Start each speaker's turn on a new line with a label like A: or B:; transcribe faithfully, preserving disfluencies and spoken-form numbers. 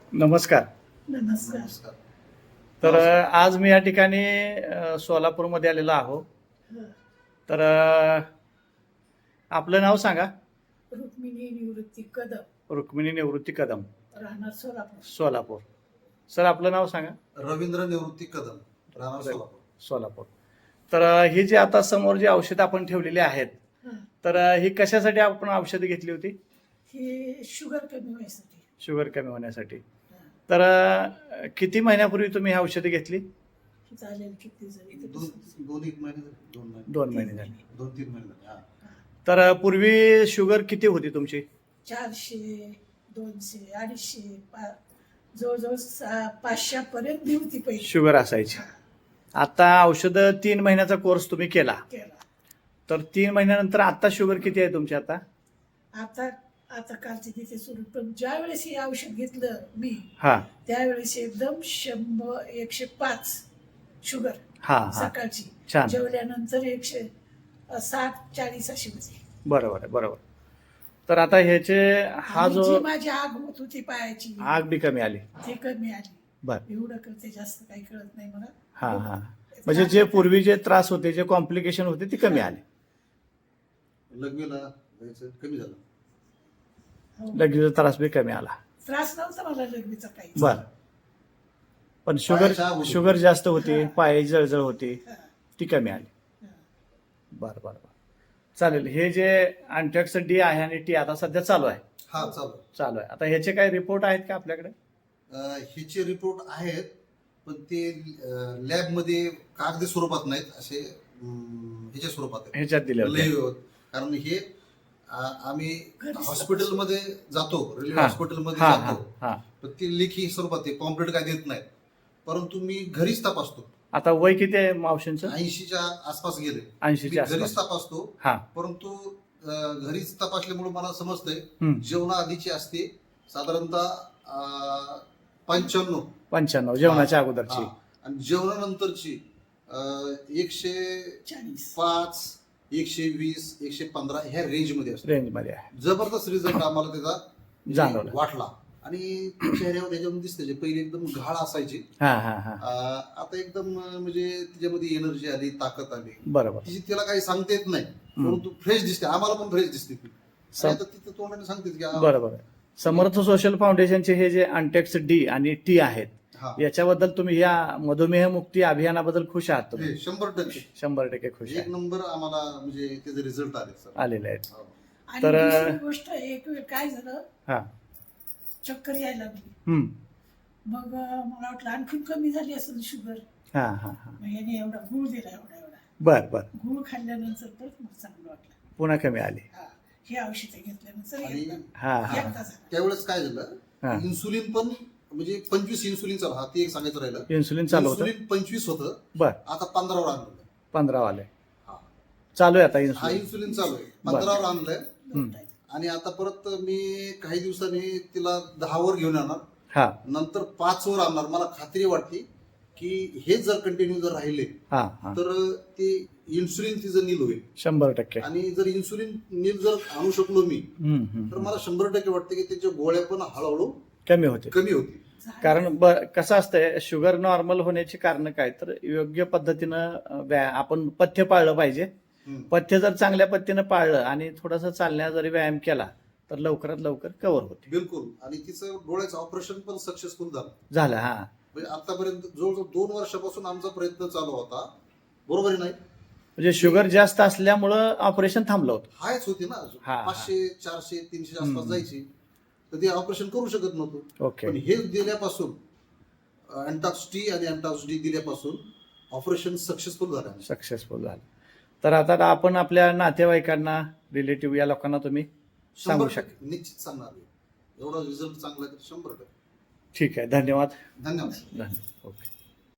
A: नमस्कार.
B: नमस्कार.
C: नमस्कार.
A: तर अ, आज मी या ठिकाणी अ, सोलापूरमध्ये आलेलो आहो.
B: हं.
A: तर अ, आपलं नाव सांगा.
B: रुक्मिणी निवृत्ती कदम,
A: रुक्मिणी निवृत्ती कदम,
B: राहणार सोलापूर.
A: सोलापूर. सर आपलं नाव सांगा.
C: रवींद्र निवृत्ती कदम, राहणार सोलापूर.
A: सोलापूर. तर अ, ही जी आता समोर जी औषधं आपण ठेवलेली आहेत,
B: हं.
A: तर अ, ही कशासाठी आपण औषधं घेतली होती?
B: हे शुगर कमी व्हायसाठी.
A: शुगर कमी होण्यासाठी.
B: हं.
A: तर अ, किती महिन्यापूर्वी तुम्ही ही औषधं घेतली?
B: हे चालेल किती जरी ते
C: दोन
B: कसं-
C: दोन एक महिने झाले. दोन महिने
A: दोन महिने झाले.
C: दोन तीन महिने झाले. हा.
A: तर अ, पूर्वी शुगर किती होती तुमची?
B: चारशे, दोनशे, अडीचशे, पा जवळजवळ सा- पाचशेपर्यंत बी होती पहिली.
A: शुगर असायची. आता औषधं तीन महिन्याचा कोर्स तुम्ही केला.
B: केला.
A: तर तीन महिन्यानंतर आता शुगर किती आहे तुमची आता?
B: आता आता कालची तिथे सुरू, पण ज्या वेळेस हे औषध घेतलं मी
A: हा
B: त्यावेळेस एकदम शंभर एकशे पाच शुगर
A: हा हा
B: सकाळची.
A: छान.
B: जेवल्यानंतर एकशे अ, साठ चाळीस अशी होती.
A: बरोबर आहे बरोबर. तर आता ह्याचे हा
B: आणि
A: जो
B: जी माझी आग होत होती पायाची
A: आग बी कमी आली.
B: ती कमी आली.
A: बर
B: एवढं करते, जास्त काही कळत नाही मला.
A: हा हा म्हणजे जे पूर्वी जे त्रास होते जे कॉम्प्लिकेशन होते ती कमी आली.
C: लग्नाला जायचं कमी झालं.
B: हो.
A: लगेच त्रास बी कमी आला.
B: त्रास नव्हता मला लग्नीचा काही.
A: बर पण शुगर
C: पायाची आग होती.
A: शुगर जास्त होती,
B: हा.
A: पायाची जळजळ होती,
B: हा,
A: ती कमी आली.
B: हा.
A: बर बर बर चालेल. हे जे अँटॅक्स डी आहे आणि टी आता सध्या चालू आहे.
C: हा चालू.
A: चालू आहे. आता ह्याचे काही रिपोर्ट आहेत का आपल्याकडे?
C: अं, ह्याचे रिपोर्ट आहेत, पण ते लॅब मध्ये कागदी स्वरूपात नाहीत, असे अं, ह्याच्या स्वरूपात आहेत.
A: ह्याच्यात दिले होते.
C: लय- कारण हे आ- आम्ही
B: घरीच
C: हॉस्पिटलमध्ये जातो, रेल्वे
A: हा.
C: हॉस्पिटलमध्ये
A: हा हा
C: जातो,
A: हा
C: पण ते लेखी स्वरूपात आहे, कॉम्प्लीट काय देत नाहीत. परंतु मी घरीच तपासतो.
A: आता वय किती आहे मावशींचं?
C: ऐंशीच्या आसपास गेले.
A: ऐंशीच्या
C: मी घरीच
A: आसपास.
C: तपासतो.
A: हा
C: परंतु अं, घरीच तपासल्यामुळे मला समजतंय
A: हम्म.
C: जेवणा आधीची असते साधारणतः पंच्याण्णव
A: पंच्याण्णव जेवणाच्या अगोदरची.
C: आणि जेवणानंतरची अं, एकशे
B: चाळीस.
C: पाच एकशे वीस एकशे पंधरा ह्या रेंज मध्ये असते.
A: रेंज मध्ये आहे.
C: जबरदस्त रिझल्ट आम्हाला त्याचा
A: जाणवला.
C: वाटला. आणि चेहऱ्यावर त्याच्यामध्ये दिसते, जे पहिले एकदम घाळ असायची,
A: हा हा हा
C: अं, आता एकदम अं, म्हणजे त्याच्यामध्ये एनर्जी आली, ताकद आली.
A: बरोबर.
C: तिची तिला काही सांगता येत नाही, परंतु फ्रेश दिसते. आम्हाला पण फ्रेश दिसते ती.
A: सम-
C: आणि आता तिथं तोंडाने सांगते की आ-
A: बरोबर आहे. समर्थ सोशल फाउंडेशनचे हे जे अँटेक्स डी आणि टी आहेत
C: हा.
A: याच्याबद्दल तुम्ही या मधुमेह मुक्ती अभियानाबद्दल खुश आहात तुम्ही?
C: हे शंभर टक्के
A: शंभर टक्के खुश
C: एक
A: आहे.
C: नंबर आम्हाला म्हणजे त्याचे रिझल्ट आले सर.
A: आलेले आहेत.
C: हो.
B: आणि
A: तर-
B: दुसरी गोष्ट, एक वेळ काय झालं,
A: हा
B: चक्कर यायला लागली.
A: हम्म
B: मग अं, मला वाटलं आणखीन कमी झाली असेल शुगर.
A: हा हा हा
B: मग याने एवढा गुळ दिला, एवढा एवढा
A: बर बर
B: गुळ खाल्ल्यानंतर परत मला चांगलं वाटलं.
A: पुन्हा कमी आली.
B: हा, हे औषध घेतल्यानंतर
C: आणि
B: एकदा
A: हा हा
B: एकदा झालं.
C: त्यावेळेस काय
A: हा.
C: झालं, इन्सुलिन पण म्हणजे पंचवीस इन्सुलिन चालू, हा ते एक सांगायचं राहिलं.
A: इन्सुलिन चालू होतं.
C: इन्सुलिन पंचवीस होतं,
A: बर
C: आता पंधरावर आणलं.
A: पंधरा आले.
C: हा.
A: चालू आहे आता
C: हा
A: इन्सुलिन.
C: इन्सुलिन चालू आहे, पंधरावर आणलंय.
B: दोन टाईम.
C: आणि आता परत मी काही दिवसांनी तिला दहावर घेऊन येणार,
A: हा
C: नंतर पाच वर आणणार. मला खात्री वाटते की हे जर कंटिन्यू जर राहिले
A: हा हा
C: तर ते इन्सुलिन तिचं नील होईल.
A: शंभर टक्के.
C: आणि जर इन्सुलिन नील जर आणू शकलो मी,
A: हम्म, हम्म,
C: तर
A: हम्म.
C: मला शंभर टक्के वाटतं की त्याच्या गोळ्या पण हळूहळू
A: कमी होते.
C: कमी होतील.
B: झालं.
A: कारण ब- कसं असतंय, शुगर नॉर्मल होण्याची कारण काय, तर योग्य पद्धतीनं अ, व्या- आपण पथ्य पाळलं पाहिजे.
C: हम्म.
A: पथ्य जर चांगल्या पद्धतीनं पाळलं आणि थोडासा चालण्या जरी व्यायाम केला तर लवकरात लवकर कव्हर होते.
C: बिलकुल. आणि तिचं डोळ्याचं ऑपरेशन पण सक्सेसफुल झालं.
A: झालं. हा
C: म्हणजे आतापर्यंत जवळजवळ दोन वर्षापासून आमचा प्रयत्न चालू होता, बरोबर आहे नाही?
A: म्हणजे शुगर जास्त असल्यामुळं ऑपरेशन थांबलं होतं.
C: हायच होती ना,
A: हा.
C: पाचशे चारशे तीनशे आसपास
A: हम्म.
C: जायची, तर ते ऑपरेशन करू शकत नव्हतं.
A: ओके.
C: पण हे दिल्यापासून अँटॉक्स टी आणि अँटॉक्स डी दिल्यापासून ऑपरेशन सक्सेसफुल झालं.
A: सक्सेसफुल झालं. तर आता आपण आपल्या नातेवाईकांना, रिलेटिव्ह या लोकांना तुम्ही सांगू
C: शंभर
A: शकता.
C: टक्के निश्चित सांगणार मी. एवढा रिझल्ट चांगला आहे तर शंभर टक्के.
A: ठीक आहे. धन्यवाद.
C: धन्यवाद.
A: धन्यवाद. ओके.